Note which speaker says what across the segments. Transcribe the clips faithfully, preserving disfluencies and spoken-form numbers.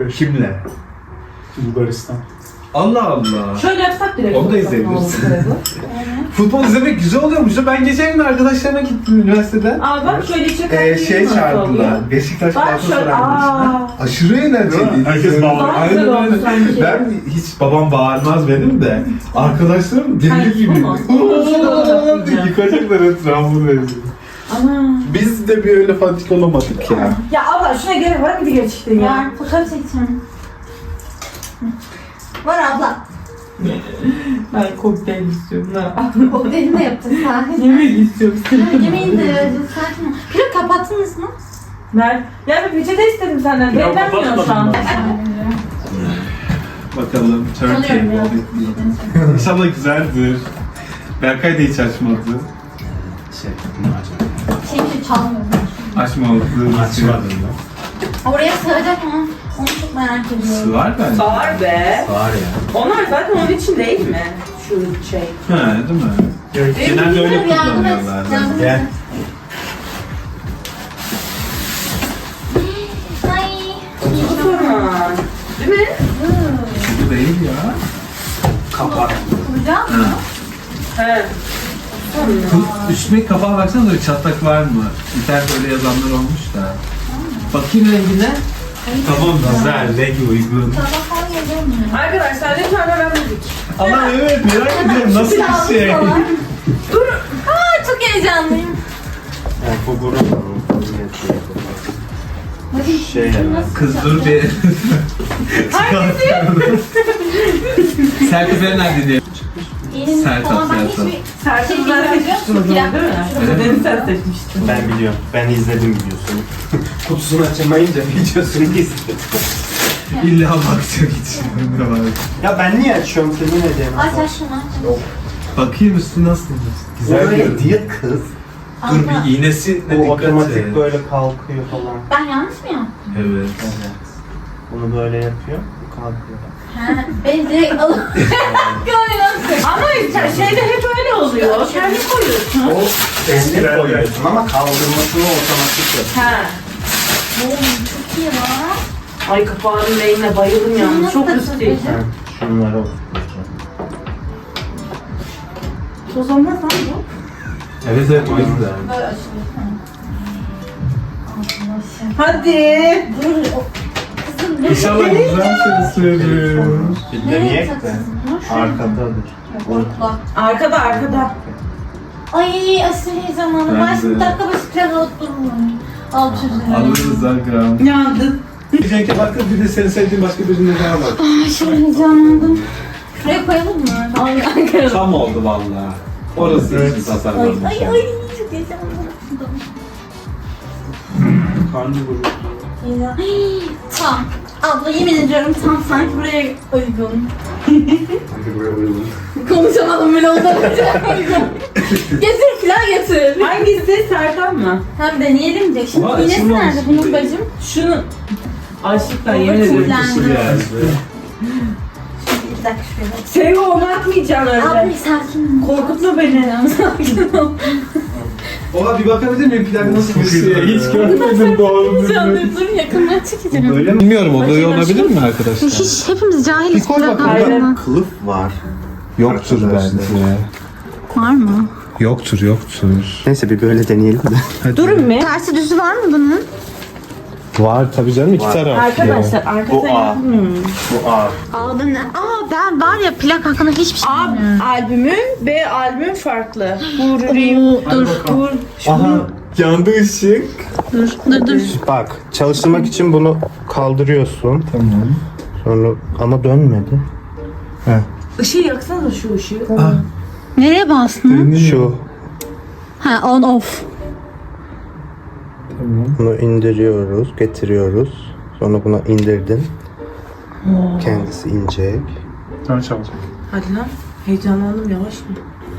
Speaker 1: Kimle?
Speaker 2: Bulgaristan.
Speaker 1: Allah Allah.
Speaker 3: Şöyle yapsak direkt.
Speaker 1: Onu da izleyebiliriz. Futbol izlemek güzel oluyormuş. Ben geçen gün arkadaşlarıma gittim üniversiteden.
Speaker 3: Aa bak şöyle çeker.
Speaker 1: Ee, şey çağırdılar. Beşiktaş
Speaker 3: Bak
Speaker 1: Galatasaray
Speaker 3: şöyle.
Speaker 1: maçına.
Speaker 3: Aa.
Speaker 1: Aşırı eğlenceliydi.
Speaker 2: Herkes bağırıyor.
Speaker 3: Daha
Speaker 1: Aynen
Speaker 3: güzel oldu
Speaker 1: öyle.
Speaker 3: sanki.
Speaker 1: Ben hiç babam bağırmaz benim de. Arkadaşlarım deli
Speaker 3: Hayır,
Speaker 1: gibi.
Speaker 3: olmaz. Olmaz.
Speaker 1: Yıkacaklar etrafını dedi.
Speaker 3: Ana.
Speaker 1: Biz de bir öyle fanatik olamadık ya.
Speaker 3: Ya abla şuna gerek var mıydı gerçekten ya?
Speaker 4: Var, fotoğraf çekeceğim. Var abla.
Speaker 3: Ben kokteyl istiyorum. Ne?
Speaker 4: Kokteylini de yapacağız sakin.
Speaker 3: Yemek istiyorum.
Speaker 4: Yemeğini de yapacağız sakin ol. Pilot kapattınız mı?
Speaker 3: Ver. Ya bir peçete istedim senden.
Speaker 2: Ya,
Speaker 3: Beklenmiyor şu an.
Speaker 1: Bakalım.
Speaker 4: Sanıyorum ya.
Speaker 1: Turkey. İnşallah güzeldir. Berkay da hiç açmadı.
Speaker 2: Şey, bunu açalım.
Speaker 4: Şey çalmıyorum.
Speaker 1: Açmadı.
Speaker 2: Açmadım ya.
Speaker 4: Oraya sığacak mı? Onu çok merak ediyorum.
Speaker 1: Sığar bence.
Speaker 3: Sağır be.
Speaker 2: Var ya.
Speaker 3: Onlar zaten onun için değil mi? Şu şey.
Speaker 1: Ha, değil mi?
Speaker 2: Evet.
Speaker 1: Genelde öyle
Speaker 4: Yardım et,
Speaker 1: kullanıyorlar.
Speaker 4: yardım et.
Speaker 2: Gel.
Speaker 4: Ay.
Speaker 3: Bu zaman. Değil mi?
Speaker 1: Bu değil ya.
Speaker 2: Kapak.
Speaker 4: Kuracağım mı?
Speaker 3: He.
Speaker 1: Kız- Üstüne kapağa baksana da çatlak var mı? İnternette öyle yazanlar olmuş da. Bakayım rengine. Tamam güzel, rengi uygun.
Speaker 4: Sabah falan geliyor mu?
Speaker 3: Arkadaşlar lütfen hemen müzik.
Speaker 1: Ama evet merak ediyorum nasıl bir şey.
Speaker 4: Dur. Aa çok heyecanlıyım.
Speaker 2: Yani bu gurur var.
Speaker 4: Bakayım.
Speaker 2: Şey yani.
Speaker 4: Nasıl
Speaker 1: Kız
Speaker 4: yapacağım?
Speaker 1: dur bir. Serpil nerede diye.
Speaker 4: Elin
Speaker 1: Sert
Speaker 4: falan
Speaker 1: at,
Speaker 4: ben
Speaker 1: sert
Speaker 4: hiçbir
Speaker 3: Serpil
Speaker 4: şey
Speaker 3: bunları
Speaker 4: bilmiyorum.
Speaker 3: seçmiştin o zaman değil mi?
Speaker 1: Evet.
Speaker 3: Beni sen seçmiştin.
Speaker 2: Ben biliyorum. Ben izledim videosunu. Kutusunu açamayınca videosunu izledim.
Speaker 1: İlla bakacak için.
Speaker 2: Ya ben niye açıyorum ki? Yine diyemem.
Speaker 4: Aç aç şunu aç.
Speaker 1: Bakayım üstü nasıl? Güzel
Speaker 2: Öyle
Speaker 1: görünüyor.
Speaker 2: diye kız.
Speaker 1: Dur bir iğnesi ne
Speaker 2: Bu
Speaker 1: dikkat
Speaker 2: otomatik
Speaker 1: et.
Speaker 2: böyle kalkıyor falan.
Speaker 4: Ben yanlış mı yaptım?
Speaker 1: Evet.
Speaker 2: Evet. Bunu böyle yapıyor. Bu kalkıyor.
Speaker 4: He. Ben direkt alıp koyuyorum.
Speaker 3: Ama şeyde hep öyle oluyor. Kendi koyuyorsun.
Speaker 2: O eski koyuyorsun ama kaldırmasını otomatik yapıyor.
Speaker 3: He.
Speaker 4: Oğlum çok iyi lan.
Speaker 3: Ay kapağının rengine bayıldım yalnız.
Speaker 4: Nasıl
Speaker 3: Çok
Speaker 4: takılacak?
Speaker 3: üstü.
Speaker 2: Ha, şunları o.
Speaker 3: Toz olmaz lan bu.
Speaker 1: Evet evet o yüzden.
Speaker 4: Böyle açılıyor. Arkadaşlar.
Speaker 3: Hadi.
Speaker 4: Dur. o- Kızım ne?
Speaker 1: İnşallah güzel seni söylüyorum.
Speaker 2: Bir
Speaker 4: Nereye
Speaker 2: deneyek de.
Speaker 4: takılsın?
Speaker 2: Arkadadır.
Speaker 4: Korkla.
Speaker 3: Arkada arkada.
Speaker 4: Ay aşırı heyecanlandım.
Speaker 1: Ben
Speaker 4: Ben şimdi
Speaker 1: de.
Speaker 4: dakika başı plan alıp dururum. Alt üzerine.
Speaker 1: Alırız Agam.
Speaker 3: Yandın.
Speaker 1: Cenk'e baktım bir de seni sevdiğin başka birine daha var.
Speaker 4: Aşırı heyecanlandım. Şuraya koyalım mı? Ay ay
Speaker 1: Tam oldu valla. Orası için tasarlanmış.
Speaker 4: ay ay çok heyecanlandım.
Speaker 2: Karnı vurur.
Speaker 4: Ya. Tam. Abla yemin ediyorum tam sanki buraya uygun.
Speaker 2: Hadi buraya uygun.
Speaker 4: Konuşamadım bile ondan önce. Getir filan getir.
Speaker 3: Hangisi? Serkan mı?
Speaker 4: Hem deneyelim de. Şimdi
Speaker 1: Ama
Speaker 4: iğnesi
Speaker 1: açılmamış
Speaker 4: nerede
Speaker 1: gibi.
Speaker 4: bunun bacım?
Speaker 3: Şunu. Aşıktan
Speaker 4: Baba
Speaker 3: yemin ederim.
Speaker 4: kirlendi.
Speaker 1: Usul yani.
Speaker 4: Şimdi bir dakika şöyle.
Speaker 3: Seni onu atmayacaksın
Speaker 4: Abi
Speaker 3: öyle.
Speaker 4: sakin ol.
Speaker 3: Korkutma beni.
Speaker 4: Sakin ol.
Speaker 1: Oha bir bakabilir miyim plan nasıl bir şey? Hiç görmedim doğru
Speaker 4: Canım dur yakından çekeceğim.
Speaker 2: Böyle mi?
Speaker 1: Bilmiyorum oluyor olabilir mi arkadaşlar?
Speaker 4: Hiç hepimiz cahiliz.
Speaker 1: koy bakalım.
Speaker 3: Aynen.
Speaker 2: Kılıf var.
Speaker 1: Yoktur
Speaker 2: Arkadaşlar.
Speaker 1: bence.
Speaker 4: Var mı?
Speaker 1: Yoktur yoktur.
Speaker 2: Neyse bir böyle deneyelim de.
Speaker 3: Durun mu?
Speaker 4: Tersi düzü var mı bunun?
Speaker 1: Var tabii canım iki
Speaker 2: Var.
Speaker 1: taraflı.
Speaker 3: Arkadaşlar arkada
Speaker 2: Bu A.
Speaker 3: yapmıyorum.
Speaker 2: Bu A.
Speaker 4: A'da ne? Aa ben var ya plak hakkında hiçbir şey
Speaker 3: A
Speaker 4: bilmiyorum.
Speaker 3: albümün, B albümün farklı. Vurayım.
Speaker 4: Dur.
Speaker 3: Vur.
Speaker 2: Aha.
Speaker 1: Yandı ışık.
Speaker 4: Dur dur dur.
Speaker 2: Bak çalıştırmak için bunu kaldırıyorsun.
Speaker 1: Tamam.
Speaker 2: Sonra ama dönmedi.
Speaker 3: Işığı yaksana şu ışığı.
Speaker 4: Nereye bastın?
Speaker 2: Şu.
Speaker 4: Ha on off.
Speaker 2: Bunu indiriyoruz, getiriyoruz. Sonra buna indirdin. Kendisi inecek.
Speaker 1: Sonra çalacak.
Speaker 3: Hadi lan. Heyecanlandım yavaş mı?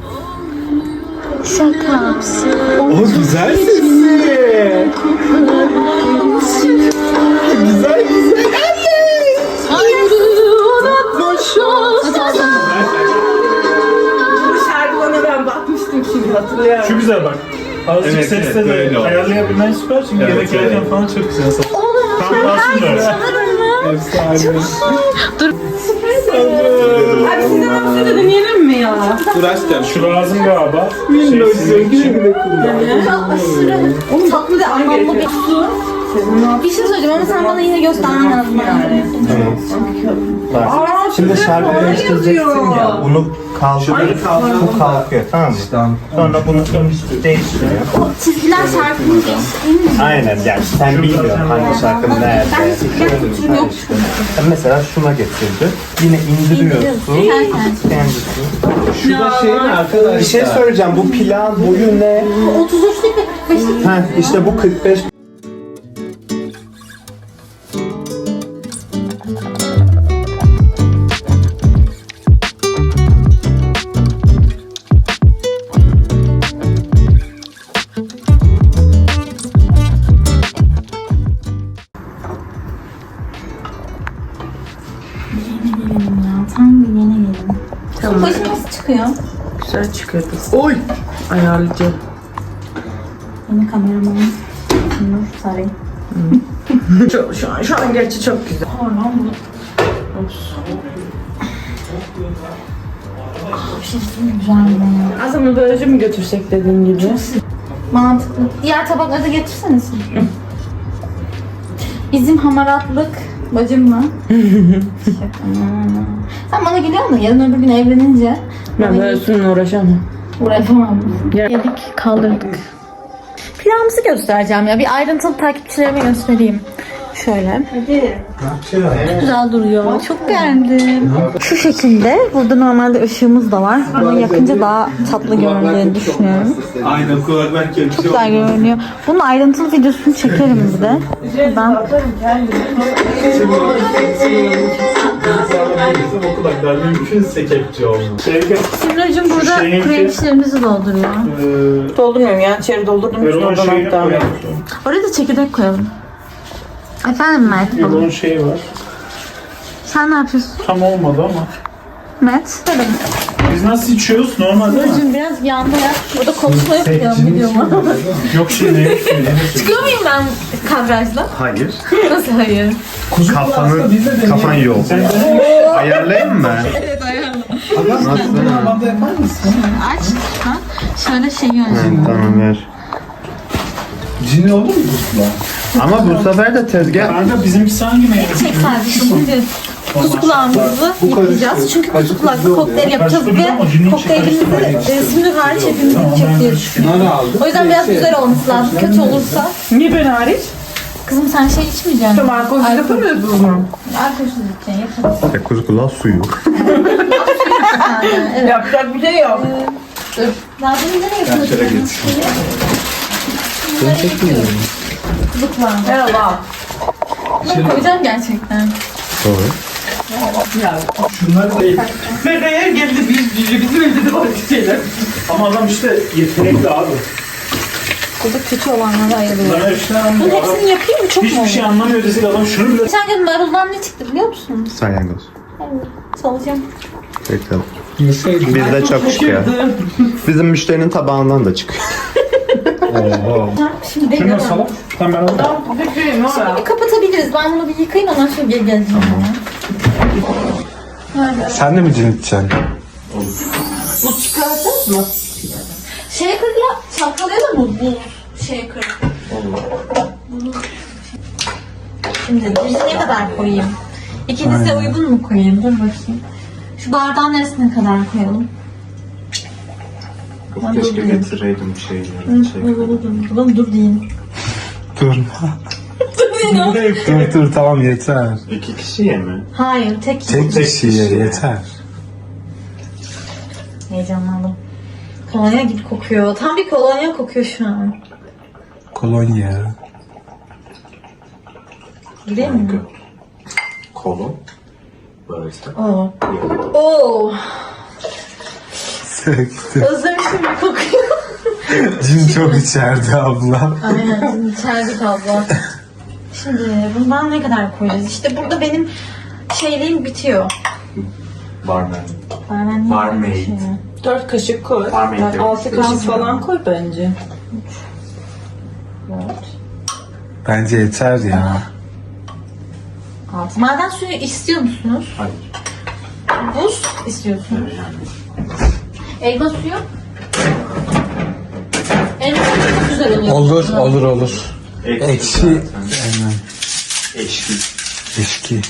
Speaker 4: Şaka.
Speaker 1: O güzel sesi. Güzel güzel.
Speaker 3: Bu şarkı bana ben bakmıştım şimdi hatırlıyorum.
Speaker 5: Şu güzel bak. Azıcık
Speaker 1: Evet,
Speaker 5: sesle
Speaker 1: evet,
Speaker 5: de
Speaker 1: böyle oldu.
Speaker 5: ayarlayabilmen süper çünkü
Speaker 1: Evet,
Speaker 5: yemek yerken
Speaker 1: evet.
Speaker 5: falan çok güzel.
Speaker 4: Oğlum
Speaker 5: Tam kalsın da.
Speaker 4: çalarım mı?
Speaker 1: Efsane.
Speaker 3: Abi sizden hapsi de deneyelim mi ya?
Speaker 1: Dur aşkım.
Speaker 5: Şu lazım galiba.
Speaker 1: Minnoşsun. Güle güle kullan.
Speaker 4: Çok aşırı tatlı ve anlamlı bir su. Bir şey söyleyeceğim ama sen bana yine göstermen lazım yani.
Speaker 2: Bak. Şimdi şarkı değiştireceksin ya. Bunu kaldır. Bu kalkıyor, tamam mı? Sonra bunu değiştiriyor.
Speaker 4: O çizgiler şarkının geçtiği mi?
Speaker 2: Aynen, yani sen bilmiyorsun hangi şarkının nerede.
Speaker 4: Ben çizgiler kültürüm yok.
Speaker 2: Sen mesela şuna getirdi. Yine indiriyorsun.
Speaker 4: Kendisi.
Speaker 2: Kendisi.
Speaker 1: Şu da şey mi arkadaşlar?
Speaker 2: Bir şey söyleyeceğim. Bu plan boyu ne?
Speaker 4: otuz üçlük ve kırk beşlik.
Speaker 2: Heh, işte bu kırk beş.
Speaker 4: Tam bir yeni gelin. Tamam. Başı nasıl çıkıyor?
Speaker 3: Güzel çıkıyor kız. Oy! Ayarlayacağım.
Speaker 4: Yeni kameramanım. Nur Sarı.
Speaker 3: Şu, şu, an, şu an gerçi çok güzel.
Speaker 4: Bir şey söyleyeyim mi? Güzel mi?
Speaker 3: Aslında böylece mi götürsek dediğin gibi?
Speaker 4: Mantıklı. Diğer tabakları da getirseniz. Bizim hamaratlık bacım mı? Şaka. Sen bana gülüyorsun da yarın öbür gün evlenince
Speaker 3: Ben böyle üstünle uğraşamam.
Speaker 4: uğraşamam.
Speaker 3: Ya-
Speaker 4: Yedik, kaldırdık. Pilavımızı göstereceğim ya. Bir ayrıntılı takipçilerime göstereyim. Şöyle. Çok güzel duruyor. Çok beğendim. Şu şekilde. Burada normalde ışığımız da var. Ama yakınca daha tatlı göründüğünü düşünüyorum.
Speaker 1: Aynen kulaklar kelime.
Speaker 4: Çok güzel görünüyor. Bunun ayrıntılı videosunu çekerim bir de. Ben
Speaker 1: O kulaklar mümkünse kepçe olmaz.
Speaker 4: Simracığım burada
Speaker 5: şeyin
Speaker 4: krem
Speaker 5: ki-
Speaker 4: işlerimizi dolduruyor.
Speaker 5: Eee...
Speaker 3: Doldurmuyorum yani içeri doldurdum.
Speaker 5: Erol'un
Speaker 3: Oradan
Speaker 5: şeyini
Speaker 3: devam
Speaker 5: koyalım.
Speaker 3: ediyorum.
Speaker 4: Oraya da çekirdek koyalım. Efendim Mert baba.
Speaker 5: Erol'un şeyi var.
Speaker 4: Sen ne yapıyorsun?
Speaker 5: Tam olmadı ama.
Speaker 4: Mert.
Speaker 5: Biz nasıl içiyoruz? Normal değil mi?
Speaker 4: Simracığım biraz yanda ya. Burada konuşma yapıyorum videoma.
Speaker 5: Yok şey ne?
Speaker 4: Çıkıyor muyum ben kadrajla?
Speaker 2: Hayır.
Speaker 4: Nasıl hayır?
Speaker 2: Kafanı, kafan yok. Ayarlayayım mı?
Speaker 1: Normalde yapar mısın?
Speaker 4: Aç. Ha? Şöyle şey yöneteceğim.
Speaker 2: Tamam ver.
Speaker 1: Cini olur mu bu?
Speaker 2: Ama bu sefer de tezgah.
Speaker 5: Kanka bizimkisi hangi meyve?
Speaker 4: Çek sadece şimdi. Kuzu kulağımızı yıkayacağız. Çünkü kuzu kulaklı kokteyl yapacağız ve kokteylimizi e, Simri hariç hepimiz içecek diye düşünüyorum.
Speaker 1: Bunları aldım.
Speaker 4: O yüzden biraz güzel olması lazım. Kötü olursa.
Speaker 3: Niye ben hariç?
Speaker 4: Kızım sen şey içmeyeceksin.
Speaker 3: Tamam alkolsüz yapamıyoruz o zaman.
Speaker 4: Alkolsüz içeceksin. Yaparız.
Speaker 2: Kuzu kulağı suyu.
Speaker 4: Evet.
Speaker 3: Yapacak bir şey yok.
Speaker 4: Dur. Daha demin nereye yapıyordun?
Speaker 1: şöyle geç.
Speaker 4: Ben çekmiyorum. Kuzu kulağı.
Speaker 3: Merhaba.
Speaker 4: Bunları koyacağım gerçekten.
Speaker 2: Doğru.
Speaker 1: Şunları da iyi.
Speaker 3: Feda'ya geldi biz cüce bizim evde de var bir şeyler.
Speaker 5: Ama adam işte yetenekli abi.
Speaker 4: Burada kötü olanlara ayırıyorum.
Speaker 5: Bana işte
Speaker 4: Bunun
Speaker 5: anlamıyor. Adam
Speaker 4: hepsini yapayım mı? Çok mu
Speaker 5: hiçbir
Speaker 4: olur?
Speaker 5: şey anlamıyor desek adam şunu bile...
Speaker 4: Geçen gün maruldan ne çıktı biliyor musun?
Speaker 2: Salyangoz.
Speaker 4: Salacağım.
Speaker 2: Bakalım.
Speaker 1: Yeseydim.
Speaker 2: Bizde çok çıkıyor. Bizim müşterinin tabağından da çıkıyor.
Speaker 1: Oho.
Speaker 4: Şimdi
Speaker 5: Şunu
Speaker 4: bekliyorum.
Speaker 5: salak. Tamam ben alırım.
Speaker 3: Bir şey mi var?
Speaker 4: Bir kapatabiliriz. Ben bunu bir yıkayayım ondan sonra geri geleceğim.
Speaker 2: Sen de mi cin içeceksin?
Speaker 3: Bu çıkartacağız mı?
Speaker 4: Shaker'la çalkalayalım mı bu shaker? Bunu... Şimdi birini ne kadar koyayım? İkinize uygun mu koyayım? Dur bakayım. Şu bardağın neresine kadar koyalım?
Speaker 2: Keşke getireydim şeyleri. Şey.
Speaker 4: Ulan dur diyeyim.
Speaker 2: Dur.
Speaker 4: Dur diyeyim.
Speaker 2: dur dur tamam yeter. İki kişiye mi?
Speaker 4: Hayır tek.
Speaker 2: Tek kişiye yeter.
Speaker 4: Heyecanlandım. Kolonya gibi kokuyor. Tam bir kolonya kokuyor şu an.
Speaker 2: Kolonya.
Speaker 4: Gireyim mi?
Speaker 2: Kolon. Böyle.
Speaker 4: Oo. Oo.
Speaker 2: Söktü.
Speaker 4: Özlemişim bir kokuyor.
Speaker 2: Cin çok içerdi abla.
Speaker 4: Aynen şimdi içerdik abla. Şimdi bundan ne kadar koyacağız? İşte burada benim şeyliğim bitiyor.
Speaker 2: Barmen.
Speaker 4: Ben
Speaker 2: Barmaid.
Speaker 3: Dört kaşık koy.
Speaker 2: Barmaid
Speaker 3: Yani
Speaker 2: yok.
Speaker 3: altı kaşık falan koy bence.
Speaker 2: Bence yeter ya.
Speaker 4: altı. Maden suyu istiyor musunuz?
Speaker 1: Hayır.
Speaker 4: Buz istiyorsunuz. Elma suyu. Elma suyu çok güzel oluyor.
Speaker 2: Olur, olur, olur.
Speaker 1: Ekşi.
Speaker 2: Ekşi. Aynen.
Speaker 1: Eşki.
Speaker 2: Eşki.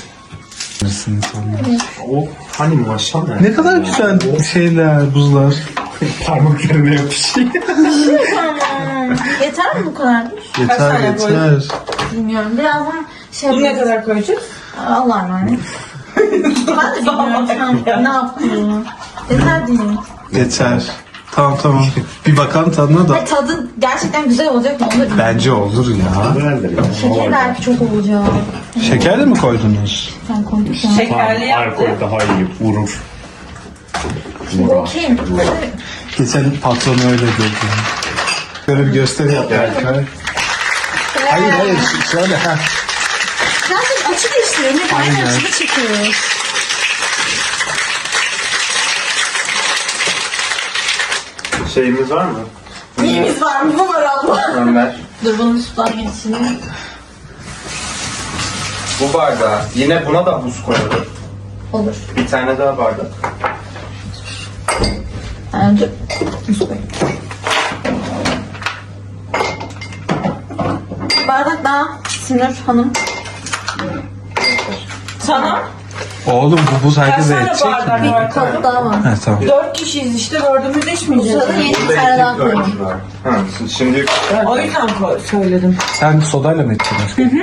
Speaker 1: O hani maşallah.
Speaker 2: Ne kadar güzel şeyler, buzlar.
Speaker 1: Parmaklarına yapışıyor.
Speaker 4: Tamam. Yeter mi bu kadar?
Speaker 2: Yeter,
Speaker 3: tane
Speaker 2: yeter.
Speaker 4: Bilmiyorum. Birazdan şey
Speaker 3: Bunu ne
Speaker 4: yapacağız.
Speaker 3: kadar koyacağız?
Speaker 4: Allah'a emanet. Ben de bilmiyorum sen ne yaptığını. Yeter diyeyim.
Speaker 2: Yeter. Tamam tamam. Bir bakalım tadına da.
Speaker 4: Ve tadı gerçekten güzel olacak mı? Onu da bilmiyorum.
Speaker 2: Bence olur ya.
Speaker 4: Şekeri belki çok olacak.
Speaker 2: Şeker de mi koydunuz?
Speaker 4: Sen koyduk ya.
Speaker 3: Şekerli yaptı.
Speaker 1: Alkol daha iyi vurur.
Speaker 4: Bu okey mi?
Speaker 2: Geçen patronu öyle gördüm. Böyle bir gösteri yap Berkay. Hayır hayır ş- şöyle ha.
Speaker 4: Zaten açı değiştiriyor. Hep aynı
Speaker 2: Aynen.
Speaker 4: açıda çekiyoruz.
Speaker 1: Şeyimiz var mı?
Speaker 4: Neyimiz var mı? Bu var abla.
Speaker 1: Ömer.
Speaker 4: Dur bunu sudan geçireyim.
Speaker 2: Bu bardağı. Yine buna da buz koyalım.
Speaker 4: Olur.
Speaker 2: Bir tane daha bardak.
Speaker 4: Yani dur. Buz koyayım. Bardak daha Sinir Hanım.
Speaker 3: Sana
Speaker 2: Oğlum bu buz
Speaker 3: kaç
Speaker 2: herkese
Speaker 3: tane
Speaker 2: yetecek
Speaker 3: bardak
Speaker 2: mi?
Speaker 3: var?
Speaker 4: Kapı daha var.
Speaker 2: Ha tamam.
Speaker 3: Dört kişiyiz işte dördümüz
Speaker 4: Bu
Speaker 3: içmeyeceğiz.
Speaker 4: sırada yeni bir tane daha koyalım.
Speaker 2: Ha, şimdi
Speaker 3: O yüzden koy- söyledim.
Speaker 2: sen sodayla mı içeceksin aşkım?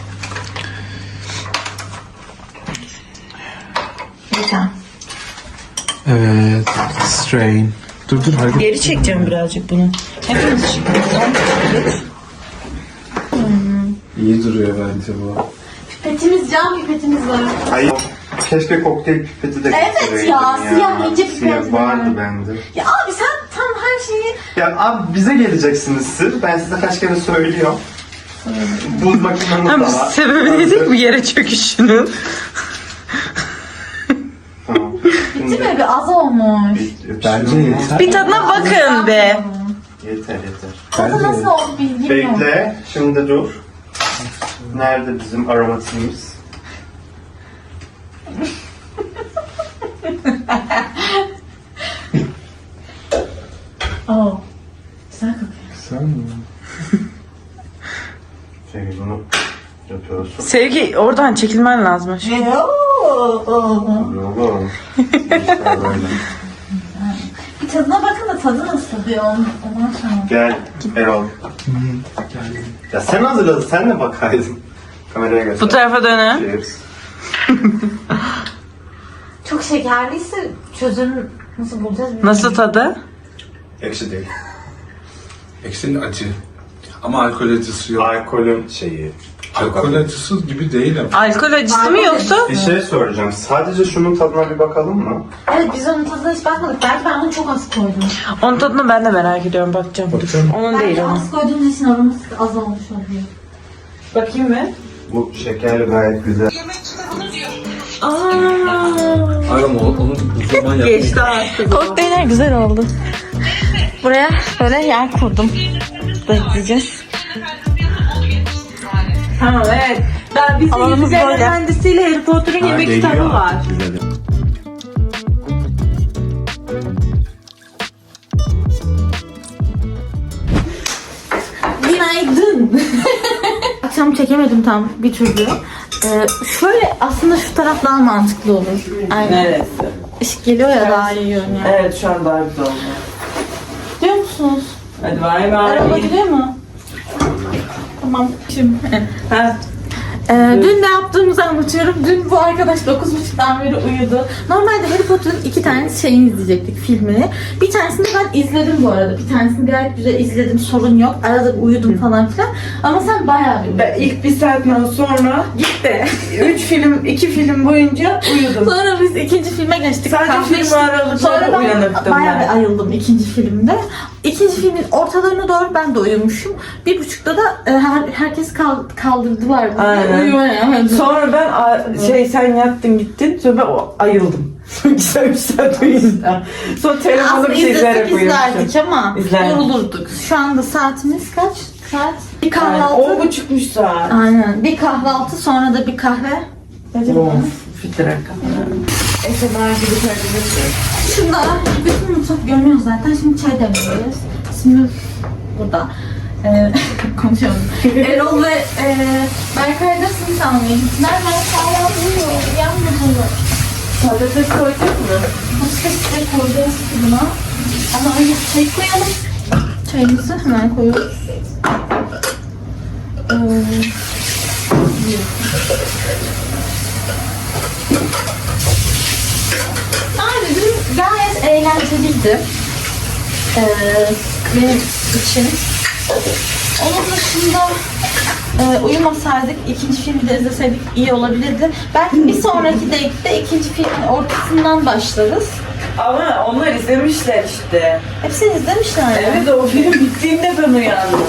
Speaker 4: Bir tane.
Speaker 2: Evet. Strain. Dur dur hadi.
Speaker 3: Geri çekeceğim birazcık bunu. Hepimiz çıkıyoruz.
Speaker 2: İyi duruyor bence bu.
Speaker 4: Pipetimiz, cam pipetimiz var.
Speaker 1: Hayır. Keşke kokteyl pipeti de
Speaker 4: Evet
Speaker 1: getireydim
Speaker 4: ya, siyah ince pipet
Speaker 1: Siyah
Speaker 4: var.
Speaker 1: vardı bende.
Speaker 4: Ya abi sen tam her şeyi...
Speaker 1: Ya abi bize geleceksiniz siz. Ben size kaç kere söylüyorum. Buz makineniz de var.
Speaker 3: Sebebi dedik mi yere çöküşünün?
Speaker 1: Tamam. Şimdi
Speaker 4: Değil mi? Bir az olmuş.
Speaker 2: Bence yeter.
Speaker 3: Bir tadına bakın be.
Speaker 1: Yeter yeter.
Speaker 4: Tadı nasıl oldu bilgim yok.
Speaker 1: Bekle. Şimdi dur. Nerede bizim aromatiğimiz?
Speaker 4: Oo. Güzel kokuyor.
Speaker 2: Sen mi?
Speaker 1: Şey bunu yapıyorsun.
Speaker 3: Sevgi oradan çekilmen lazım.
Speaker 1: Oğlum. İşler böyle.
Speaker 4: Bir tadına bakın da tadı nasıl diyor ondan sonra.
Speaker 1: Gel Erol. Ya sen hazırladın. Sen de bakaydın. Kameraya göster.
Speaker 3: Bu tarafa dönün.
Speaker 1: Cheers.
Speaker 4: Çok şekerliyse çözüm nasıl bulacağız bilmiyorum.
Speaker 3: Nasıl tadı?
Speaker 1: Ekşi değil.
Speaker 2: Ekşinin acı. Ama alkol acısı yok.
Speaker 1: Alkolün şeyi.
Speaker 2: Alkol acısı gibi değil ama.
Speaker 3: Alkol acısı mı yoksa?
Speaker 1: Bir şey soracağım. Sadece şunun tadına bir bakalım mı?
Speaker 4: Evet biz onun tadına hiç bakmadık. Belki ben bunu çok az koydum.
Speaker 3: Onun tadını ben de merak ediyorum. Bakacağım.
Speaker 2: Bakacağım.
Speaker 3: Onun değil
Speaker 4: Belki
Speaker 3: onun.
Speaker 4: az koyduğumuz için aroması az olmuş oluyor.
Speaker 3: Bakayım mı?
Speaker 1: Bu şekerli gayet güzel.
Speaker 2: Ama onu o zaman yap.
Speaker 3: Geçti artık.
Speaker 4: Kokteyller güzel oldu. Buraya böyle yer kurdum. Bekleyeceğiz.
Speaker 3: Tamam evet. Daha bir
Speaker 4: Alanımız
Speaker 3: Yüzüklerin
Speaker 4: böyle.
Speaker 3: Efendisi'yle Harry Potter'ın yemek kitabı var.
Speaker 4: Günaydın. Akşam çekemedim tam bir türlü. Ee, şöyle aslında şu taraf daha mantıklı olur. Aynen.
Speaker 3: Neresi?
Speaker 4: Işık geliyor ya daha iyi görünüyor.
Speaker 3: Evet şu an daha güzel oldu.
Speaker 4: Diyor musunuz?
Speaker 3: Hadi bay
Speaker 4: Araba
Speaker 3: bay.
Speaker 4: gidiyor mu? Tamam. Şimdi.
Speaker 3: Ha.
Speaker 4: Ee, dün ne yaptığımızı anlatıyorum. Dün bu arkadaş dokuz buçuktan beri uyudu. Normalde Harry Potter'ın iki tane şeyini izleyecektik, filmini. Bir tanesini ben izledim bu arada. Bir tanesini gayet güzel izledim, sorun yok. Arada uyudum falan filan. Ama sen bayağı bir
Speaker 3: Ben ilk bir saatten sonra gitti. Üç film, iki film boyunca uyudum.
Speaker 4: Sonra biz ikinci filme geçtik.
Speaker 3: Sadece
Speaker 4: Kahve
Speaker 3: film
Speaker 4: içtik.
Speaker 3: aralıkları
Speaker 4: Sonra ben
Speaker 3: uyanıktım
Speaker 4: bayağı
Speaker 3: ben.
Speaker 4: bir ayıldım ikinci filmde. İkinci filmin ortalarına doğru ben de uyumuşum. Bir buçukta da e, her, herkes kal, kaldırdılar bizi.
Speaker 3: Aynen.
Speaker 4: Uyuyamadım.
Speaker 3: Sonra ben a- şey sen yattın gittin sonra ben o- ayıldım. Güzel bir saat uyuyunca. Sonra telefonu
Speaker 4: Aslında
Speaker 3: bir şey izleyerek
Speaker 4: izlesek izlerdik
Speaker 3: uyumuşum.
Speaker 4: ama
Speaker 3: İzlerdik.
Speaker 4: yorulurduk. Şu anda saatimiz kaç? Saat? Bir
Speaker 3: Yani
Speaker 4: kahvaltı.
Speaker 3: on buçukmuş saat.
Speaker 4: Aynen. Bir kahvaltı sonra da bir kahve.
Speaker 3: Of, fitrak. Esemer gibi söylemiştim.
Speaker 4: Şurada bütün mutfak görünüyor zaten. Şimdi çay demliyoruz. Şimdi burada. Ee, konuşalım. Erol ve e, Berkay da simit almaya gittiler. Ben hala uyuyor. Uyanmadılar.
Speaker 3: Patates koyduk mu?
Speaker 4: Patatesleri koyacağız buna. Ama önce çay koyalım. Çayımızı hemen koyuyoruz. Ee, Abi dün gayet eğlenceliydi. Ee, benim için. Onun dışında e, uyumasaydık, ikinci filmi de izleseydik iyi olabilirdi. Belki bir sonraki date'de ikinci filmin ortasından başlarız.
Speaker 3: Ama onlar izlemişler işte.
Speaker 4: Hepsini izlemişler ya.
Speaker 3: Evet, o film bittiğinde ben uyandım.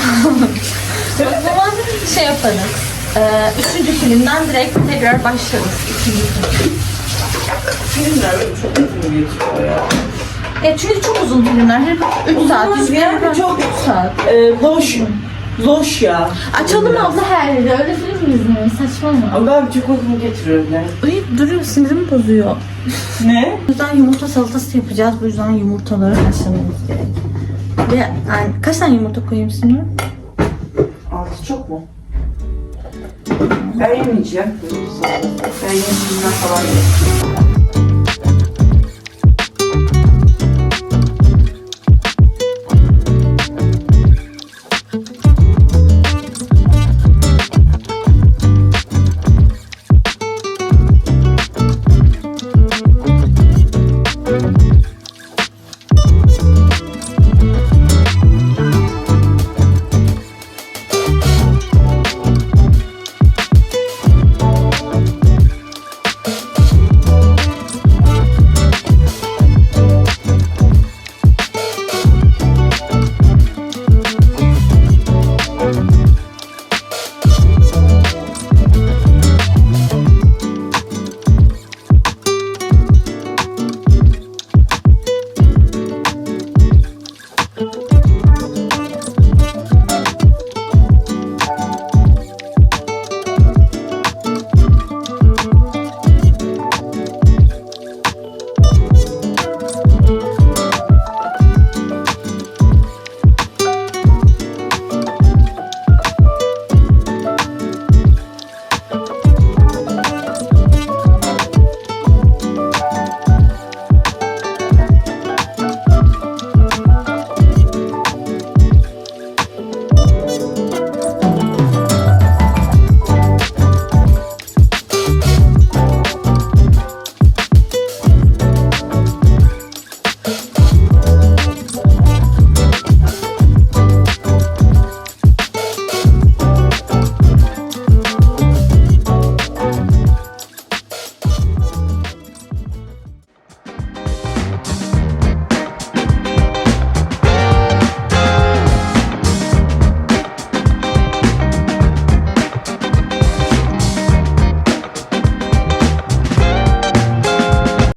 Speaker 4: O zaman şey yaparız. Ee, üçüncü filmden direkt tekrar başlarız. İkinci film.
Speaker 3: Filmler böyle çok uzun geçiyor ya.
Speaker 4: Ya çünkü çok uzun filmler. Hep üç saat.
Speaker 3: Olmaz
Speaker 4: üç
Speaker 3: yani,
Speaker 4: saat,
Speaker 3: çok-
Speaker 4: üç saat.
Speaker 3: Ee, loş. Loş ya.
Speaker 4: Açalım abla her yeri. Öyle film mi izlemeyi? Saçmalama.
Speaker 3: Ama ben çok uzun getiriyorlar.
Speaker 4: Uyuyup duruyor. Sinirimi bozuyor.
Speaker 3: Ne?
Speaker 4: O yüzden yumurta salatası yapacağız. Bu yüzden yumurtaları haşlamamız gerek. Ve yani kaç tane yumurta koyayım şimdi?
Speaker 3: Altı çok mu? Ben yemeyeceğim. Ben yemeyeceğim falan.